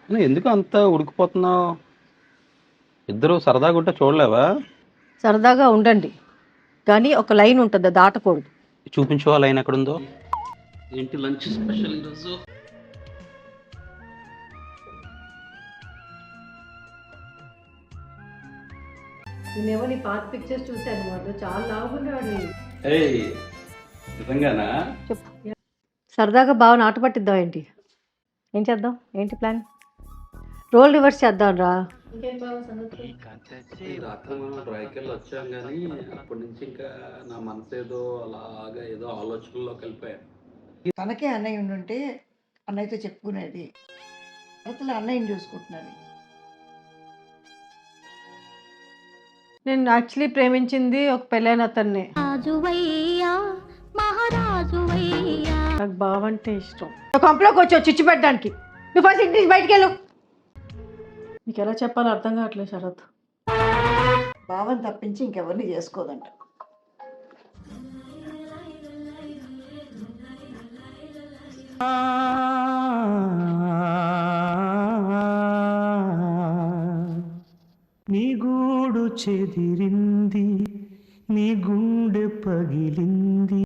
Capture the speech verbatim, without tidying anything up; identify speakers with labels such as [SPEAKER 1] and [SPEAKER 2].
[SPEAKER 1] నువ్వు ఎందుకు అంత ఉడికిపోతున్నావు? ఇద్దరు సరదాగా ఉంటే చూడలేవా?
[SPEAKER 2] సరదాగా ఉండండి, కానీ ఒక లైన్ ఉంటుంది, అది దాటకూడదు.
[SPEAKER 1] చూపించు ఆ లైన్ ఎక్కడుందో. ఏంటి లంచ్ స్పెషల్ ఈరోజు?
[SPEAKER 2] నేనేమో నీ పాత పిక్చర్స్ చూశాను, వాళ్ళు చాలా లావుకున్నాడు.
[SPEAKER 1] ఏయ్, నిజంగానా?
[SPEAKER 2] చెప్పు. సరదాగా బాగా నాటు పట్టిద్దాం ఏంటి? ఏం చేద్దాం? ఏంటి ప్లాన్? రోల్ రివర్స్ చేద్దాం రా.
[SPEAKER 1] ఈ రాత్రి మనం డ్రైకెళ్ళి వచ్చాం కానీ అప్పటి నుంచి ఇంకా నా మనసు ఏదో అలాగా ఏదో ఆలోచనలోకి వెళ్ళిపోయాను.
[SPEAKER 3] తనకే అన్నయ్య ఉండుంటే అన్నయ్యతో చెప్పుకునేది. అసలు అన్నయ్యని చూసుకుంటున్నది.
[SPEAKER 2] నేను యాక్చువల్లీ ప్రేమించింది ఒక పెళ్ళైన అతన్ని. నాకు బావంటే ఇష్టం. కంపలోకి వచ్చావు చిచ్చు పెట్టడానికి. నువ్వు ఫస్ట్ ఇంటి నుంచి బయటికి వెళ్ళు. నీకు ఎలా చెప్పాలో అర్థం కావట్లేదు శరత్.
[SPEAKER 3] భావం తప్పించి ఇంకెవరిని చేసుకోదంట.
[SPEAKER 4] నీ గూడు చెదిరింది, నీ గుండె పగిలింది.